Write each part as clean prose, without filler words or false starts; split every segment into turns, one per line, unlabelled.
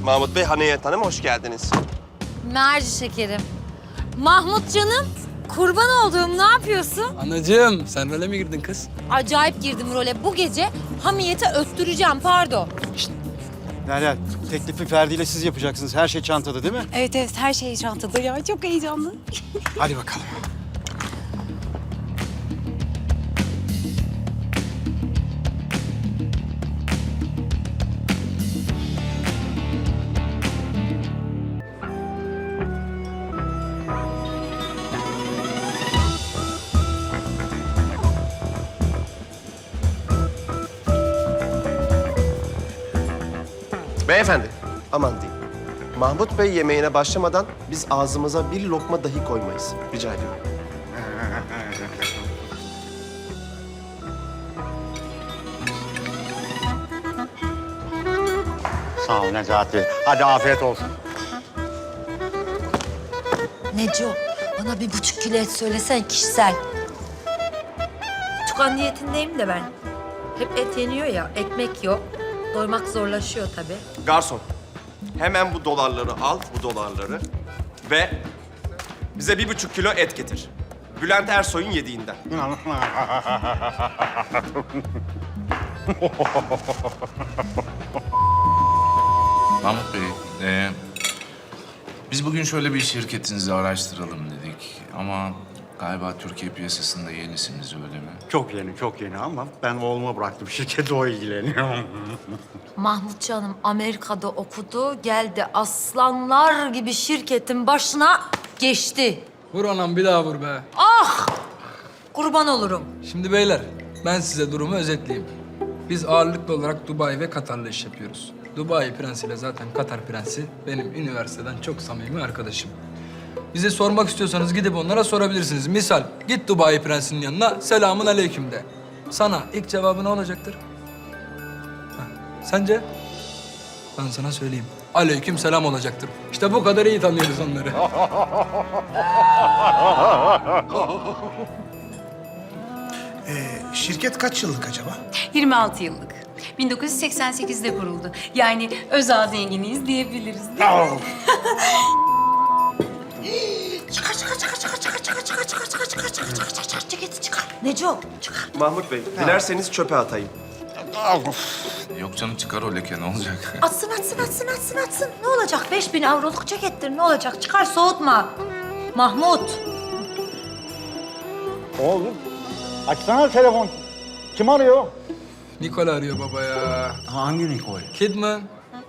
Mahmut Bey, Haniyet Hanım hoş geldiniz.
Merci şekerim. Mahmut canım, kurban olduğum ne yapıyorsun?
Anacığım, sen role mi girdin kız?
Acayip girdim role. Bu gece Hamiyet'e öttüreceğim, pardon.
Derya, teklifi Ferdi ile siz yapacaksınız. Her şey çantada değil mi?
Evet evet her şey çantada ya. Çok heyecanlı.
Hadi bakalım.
Beyefendi, aman diyeyim. Mahmut Bey yemeğine başlamadan biz ağzımıza bir lokma dahi koymayız. Rica ediyorum.
Sağ ol Necati. Hadi afiyet olsun.
Neco, bana 1,5 kilo et söylesen kişisel. Tukan diyetindeyim de ben. Hep et yeniyor ya, ekmek yok. Doymak zorlaşıyor tabii.
Garson, hemen bu dolarları al, bu dolarları. Ve bize 1,5 kilo et getir. Bülent Ersoy'un yediğinden.
Mahmut Bey, biz bugün şöyle bir şirketinizi araştıralım dedik. Ama galiba Türkiye piyasasında yenisiniz, öyle mi?
Çok yeni ama ben oğluma bıraktım. Şirketi o ilgileniyor.
Mahmut canım Amerika'da okudu, geldi aslanlar gibi şirketin başına geçti.
Vur anam, bir daha vur be.
Kurban olurum.
Şimdi beyler, ben size durumu özetleyeyim. Biz ağırlıklı olarak Dubai ve Katar'la iş yapıyoruz. Dubai prensiyle zaten Katar prensi benim üniversiteden çok samimi arkadaşım. Bize sormak istiyorsanız gidip onlara sorabilirsiniz. Misal, git Dubai prensinin yanına, selamun aleyküm de. Sana ilk cevabı ne olacaktır? Ha, sence? Ben sana söyleyeyim. Aleyküm selam olacaktır. İşte bu kadar iyi tanıyoruz onları.
Şirket kaç yıllık acaba?
26 yıllık. 1988'de kuruldu. Yani özel zenginiyiz diyebiliriz değil mi?
Ceketi çıkar. Neco, çıkar.
Mahmut Bey, dilerseniz çöpe atayım.
Yok canım, çıkar o leke, ne olacak?
Atsın. Ne olacak? 5.000 avroluk cekettir, ne olacak? Çıkar, soğutma. Mahmut.
Oğlum, açsana telefon. Kim arıyor?
Nicole arıyor baba ya.
Hangi Nikol?
Kidman.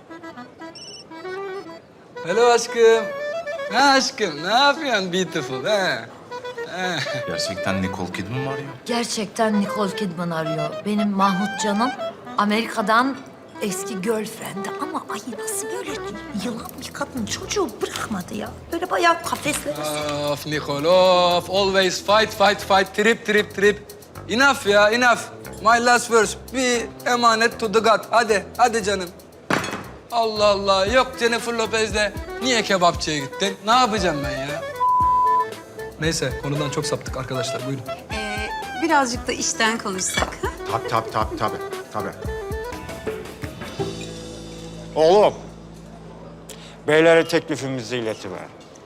Hello aşkım. Ha aşkım, ne yapıyorsun beautiful ha?
Gerçekten Nicole Kidman mı arıyor?
Gerçekten Nicole Kidman arıyor. Benim Mahmut canım Amerika'dan eski girlfriend'i ama ay nasıl böyle yılan bir kadın çocuğu bırakmadı ya. Böyle bayağı kafeslere
Of Nicole, of. Always fight. Trip. Enough ya, enough. My last verse. Bir emanet to the God. Hadi canım. Allah Allah. Yok Jennifer Lopez'le. Niye kebapçıya gittin? Ne yapacağım ben ya? Neyse, konudan çok saptık arkadaşlar. Buyurun.
Birazcık da işten konuşsak. Ha?
Tabii. Oğlum, beylere teklifimizi iletiver.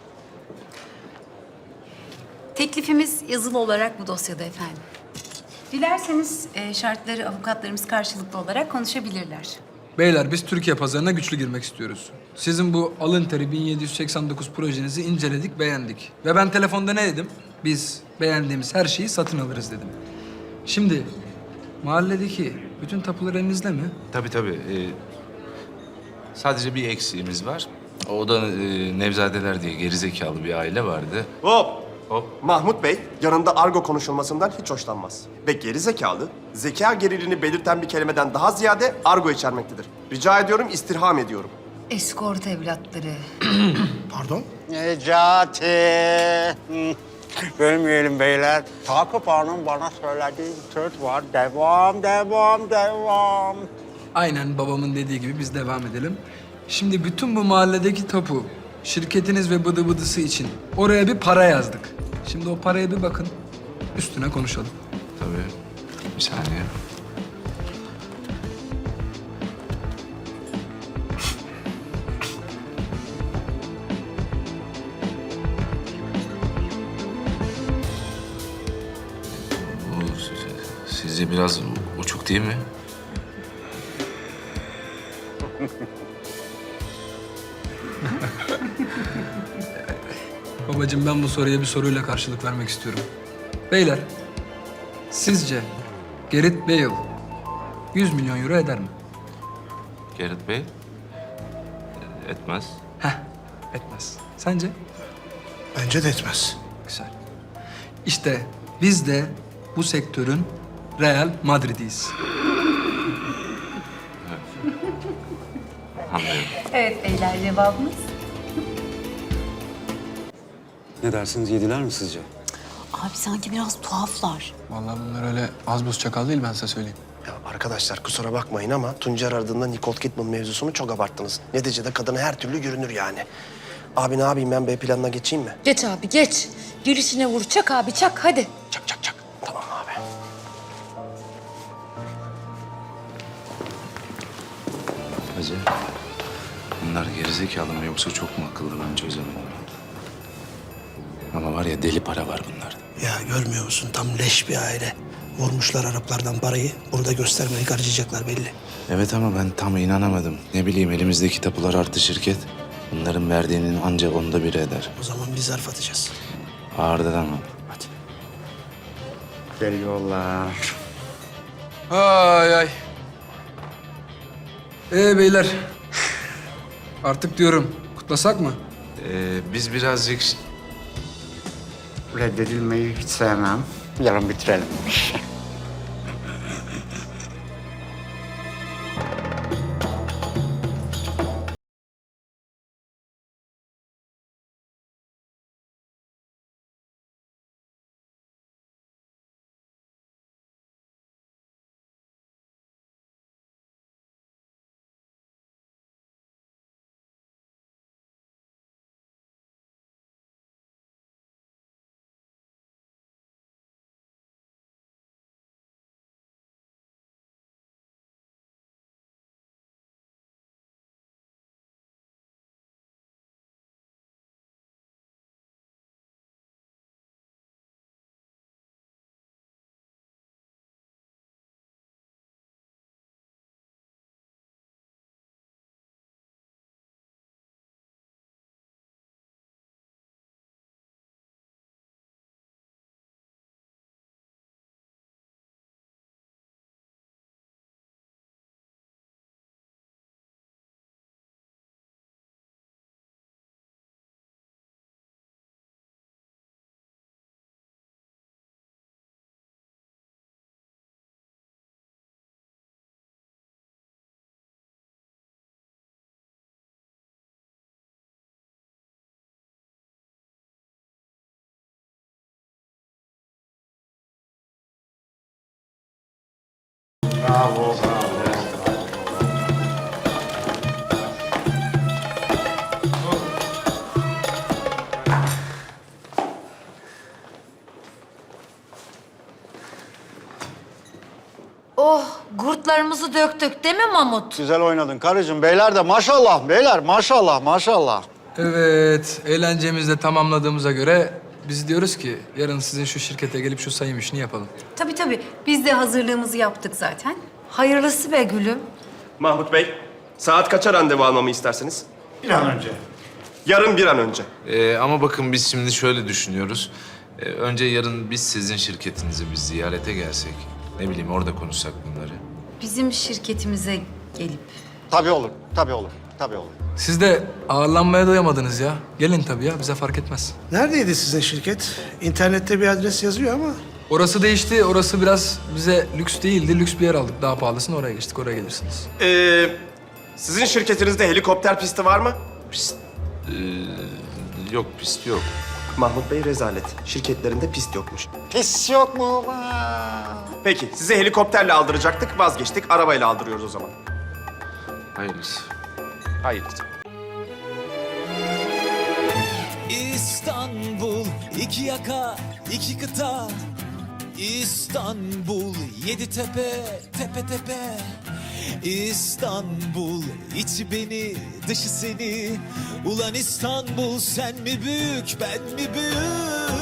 Teklifimiz yazılı olarak bu dosyada efendim. Dilerseniz şartları avukatlarımız karşılıklı olarak konuşabilirler.
Beyler, biz Türkiye pazarına güçlü girmek istiyoruz. Sizin bu alın teri 1789 projenizi inceledik, beğendik. Ve ben telefonda ne dedim? Biz beğendiğimiz her şeyi satın alırız dedim. Şimdi mahalledeki bütün tapular elinizde mi?
Tabii. Sadece bir eksiğimiz var. O da Nevzadeler diye gerizekalı bir aile vardı.
Hop!
Hop.
Mahmut Bey yanında argo konuşulmasından hiç hoşlanmaz. Ve geri zekalı, zeka gerilini belirten bir kelimeden daha ziyade argo içermektedir. Rica ediyorum, istirham ediyorum.
eskort evlatları.
Pardon?
Necati. Bölmeyelim beyler. Takip Hanım bana söylediği bir söz var. Devam.
Aynen babamın dediği gibi biz devam edelim. Şimdi bütün bu mahalledeki tapu, şirketiniz ve bıdı bıdısı için oraya bir para yazdık. Şimdi o paraya bir bakın, üstüne konuşalım.
Tabii. Bir saniye. Sizce biraz uçuk değil mi?
Babacığım ben bu soruya bir soruyla karşılık vermek istiyorum. Beyler, sizce Gareth Bale 100 milyon euro eder mi?
Gareth Bey? Etmez.
Heh, etmez. Sence?
Bence de etmez.
Güzel. İşte biz de bu sektörün Real Madrid'iyiz.
Anlıyorum.
Evet beyler, cevabımız.
Ne dersiniz, yediler mi sizce?
Abi sanki biraz tuhaflar.
Vallahi bunlar öyle az buz çakal değil ben size söyleyeyim.
Ya arkadaşlar kusura bakmayın ama Tuncer aradığında Nicole Kidman mevzusunu çok abarttınız. Neticede kadına her türlü görünür yani. Abi ne yapayım ben B planına geçeyim mi?
Geç abi geç. Gelişine vur. Çak abi çak hadi.
Çak çak çak. Tamam abi.
Hacı, bunlar gerizekalı mı yoksa çok mu akıllı ben çözemedim. Ama var ya deli para var bunlarda.
Ya görmüyor musun tam leş bir aile. Vurmuşlar Araplardan parayı. Burada göstermeyi harcayacaklar belli.
Evet ama ben tam inanamadım. Ne bileyim elimizdeki tapular artı şirket. Bunların verdiğinin ancak 1/10 eder.
O zaman biz zarf atacağız.
Ağırdan ama.
Hadi.
Geliyorlar.
Ay ay. Beyler. Artık diyorum kutlasak mı?
Biz birazcık...
Reddedilmeyi hiç sevmem. Yarın bitirelim.
Oh gurtlarımızı döktük değil mi Mahmut?
Güzel oynadın karıcığım. Beyler de maşallah. Beyler maşallah maşallah.
Evet, eğlencemizi de tamamladığımıza göre biz diyoruz ki yarın sizin şu şirkete gelip şu sayım işini yapalım.
Tabii tabii, biz de hazırlığımızı yaptık zaten.
Hayırlısı be gülüm.
Mahmut Bey, saat kaça randevu almamı istersiniz?
Bir an önce.
Yarın bir an önce.
Ama bakın biz şimdi şöyle düşünüyoruz. Önce yarın biz sizin şirketinizi biz ziyarete gelsek. Ne bileyim orada konuşsak bunları.
Bizim şirketimize gelip.
Tabii olur. Tabii olur. Tabii olur.
Siz de ağırlanmaya doyamadınız ya. Gelin tabii ya, bize fark etmez.
Neredeydi sizin şirket? İnternette bir adres yazıyor ama.
Orası değişti, orası biraz bize lüks değildi. Lüks bir yer aldık, daha pahalısını oraya geçtik, oraya gelirsiniz.
Sizin şirketinizde helikopter pisti var mı?
Yok pist yok.
Mahmut Bey rezalet. Şirketlerinde pist yokmuş.
Pis yok mu?
Peki, sizi helikopterle aldıracaktık, vazgeçtik. Arabayla aldırıyoruz o zaman.
Hayırlısı.
Hayırlısı.
İstanbul, iki yaka, iki kıta. İstanbul, yedi tepe, tepe tepe. İstanbul, içi beni, dışı seni. Ulan İstanbul, sen mi büyük, ben mi büyük?